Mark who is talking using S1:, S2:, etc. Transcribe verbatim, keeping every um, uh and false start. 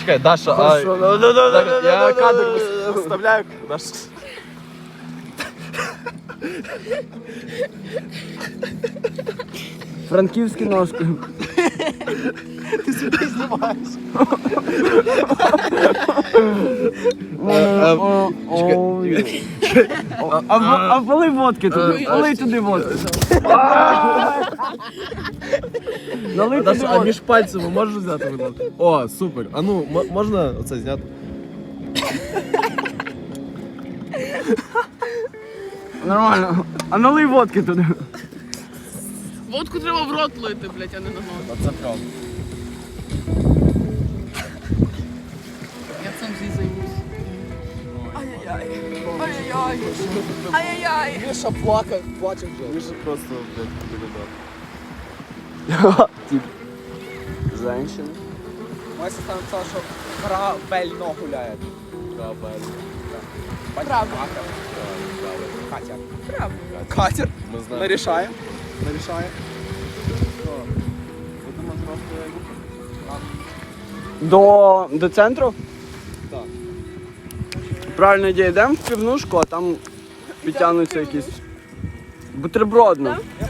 S1: чекай, Даша, а... Я кадр вставляю. Даша.
S2: Франківські ножки.
S1: Ти собі знімаєш.
S2: А полий водки туди, полий туди водки. Налий туди
S1: А
S2: водки.
S1: між пальцями можеш взяти, будь ласка? О, супер. А ну, м- можна оце зняти?
S2: Нормально. А налий водки туди.
S3: Водку треба в рот лити, блядь, а не на ногу.
S1: Це правда.
S3: Я цим зі займусь. Ай-яй-яй. Ай-яй-яй. Ай-яй-яй.
S1: Міша плакав, плаче вже. Міша просто, блядь, передав.
S2: Женщина.
S4: Моя сестра написала, що правильно гуляє.
S1: Правильно.
S3: Правда.
S4: Катя.
S3: Правда.
S4: Катер.
S1: Ми
S4: Ми
S1: знаємо.
S4: рішаємо. Ми рішаємо.
S2: До, до центру?
S4: Так.
S2: Правильно ідея, йдемо в півнушку, а там підтягнуться якісь бутербродно.